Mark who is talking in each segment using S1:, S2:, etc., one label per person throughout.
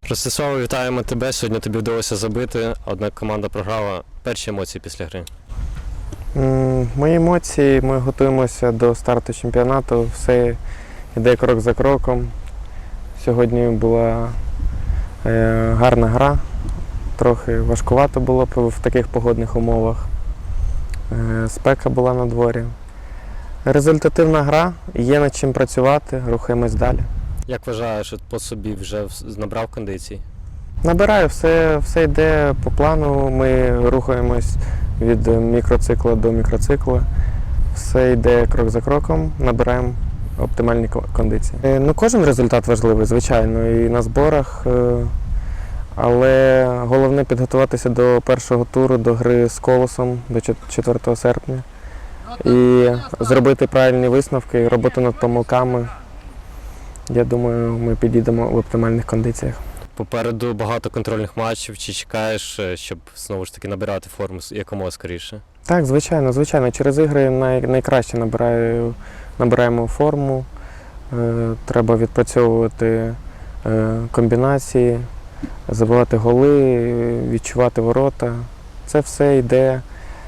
S1: Ростислав, вітаємо тебе. Сьогодні тобі вдалося забити, однак команда програла. Перші емоції після гри.
S2: Мої емоції, ми готуємося до старту чемпіонату, все йде крок за кроком. Сьогодні була гарна гра, трохи важкувато було в таких погодних умовах. Спека була на дворі. Результативна гра, є над чим працювати, рухаємось далі.
S1: Як вважаєш, по собі вже набрав кондицій?
S2: Набираю, все йде по плану, ми рухаємось від мікроцикла до мікроцикла. Все йде крок за кроком, набираємо оптимальні кондиції. Кожен результат важливий, звичайно, і на зборах, але головне підготуватися до першого туру, до гри з Колосом, до 4 серпня. І зробити правильні висновки, роботу над помилками. Я думаю, ми підійдемо в оптимальних кондиціях.
S1: Попереду багато контрольних матчів. Чи чекаєш, щоб знову ж таки набирати форму якомога скоріше?
S2: Так, звичайно. Через ігри найкраще набираємо форму. Треба відпрацьовувати комбінації, забивати голи, відчувати ворота. Це все йде,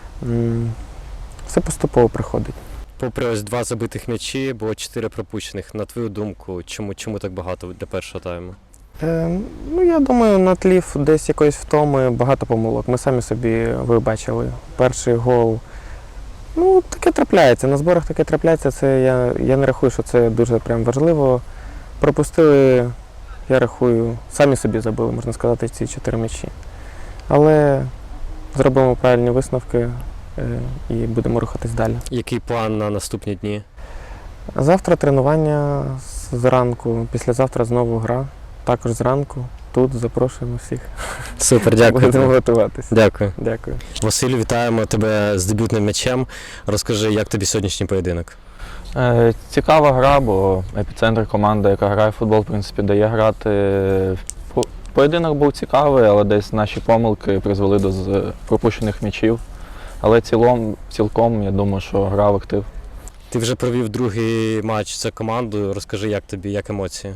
S2: все поступово приходить.
S1: Попри ось 2 забитих м'ячі, було 4 пропущених. На твою думку, чому так багато для першого тайму?
S2: Я думаю, на тлі десь якоїсь втоми багато помилок. Ми самі собі вибачили. Перший гол. Таке трапляється. На зборах таке трапляється. Це я не рахую, що це дуже прям важливо. Пропустили, я рахую, самі собі забили, можна сказати, ці 4 м'ячі. Але зробимо правильні висновки і будемо рухатись далі.
S1: Який план на наступні дні?
S2: Завтра тренування зранку, післязавтра знову гра. Також зранку. Тут запрошуємо всіх.
S1: Супер, дякую.
S2: Будемо готуватися.
S1: Дякую.
S2: Дякую.
S1: Василю, вітаємо тебе з дебютним м'ячем. Розкажи, як тобі сьогоднішній поєдинок?
S3: Цікава гра, бо епіцентр команда, яка грає в футбол, в принципі, дає грати. Поєдинок був цікавий, але десь наші помилки призвели до пропущених м'ячів. Але цілком, я думаю, що гра в актив.
S1: Ти вже провів другий матч за командою. Розкажи, як тобі, як емоції?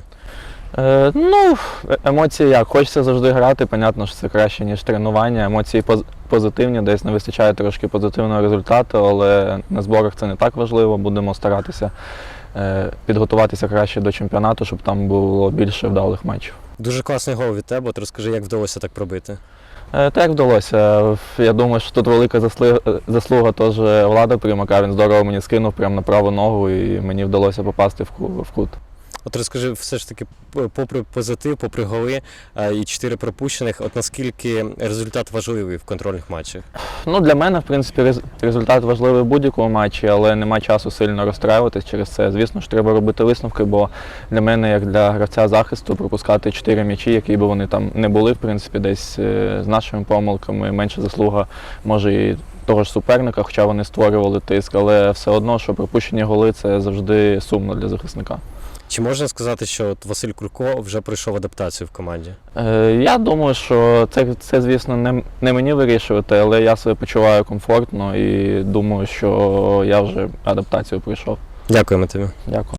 S3: Емоції як? Хочеться завжди грати, понятно, що це краще, ніж тренування. Емоції позитивні, десь не вистачає трошки позитивного результату, але на зборах це не так важливо. Будемо старатися підготуватися краще до чемпіонату, щоб там було більше вдалих матчів.
S1: Дуже класний гол від тебе. От розкажи, як вдалося так пробити?
S3: Так вдалося. Я думаю, що тут велика заслуга теж Влада Примака. Він здорово мені скинув прямо на праву ногу і мені вдалося попасти в кут.
S1: От розкажи, все ж таки, попри позитив, попри голи і 4 пропущених, от наскільки результат важливий в контрольних матчах?
S3: Для мене, в принципі, результат важливий в будь-якому матчі, але немає часу сильно розстраюватись через це. Звісно ж, треба робити висновки, бо для мене, як для гравця захисту, пропускати 4 м'ячі, які б вони там не були, в принципі, десь з нашими помилками, менша заслуга, може, і того ж суперника, хоча вони створювали тиск, але все одно, що пропущені голи – це завжди сумно для захисника.
S1: Чи можна сказати, що от Василь Курко вже пройшов адаптацію в команді?
S3: Я думаю, що це, звісно, не мені вирішувати, але я себе почуваю комфортно і думаю, що я вже адаптацію пройшов.
S1: Дякуємо тобі.
S3: Дякую.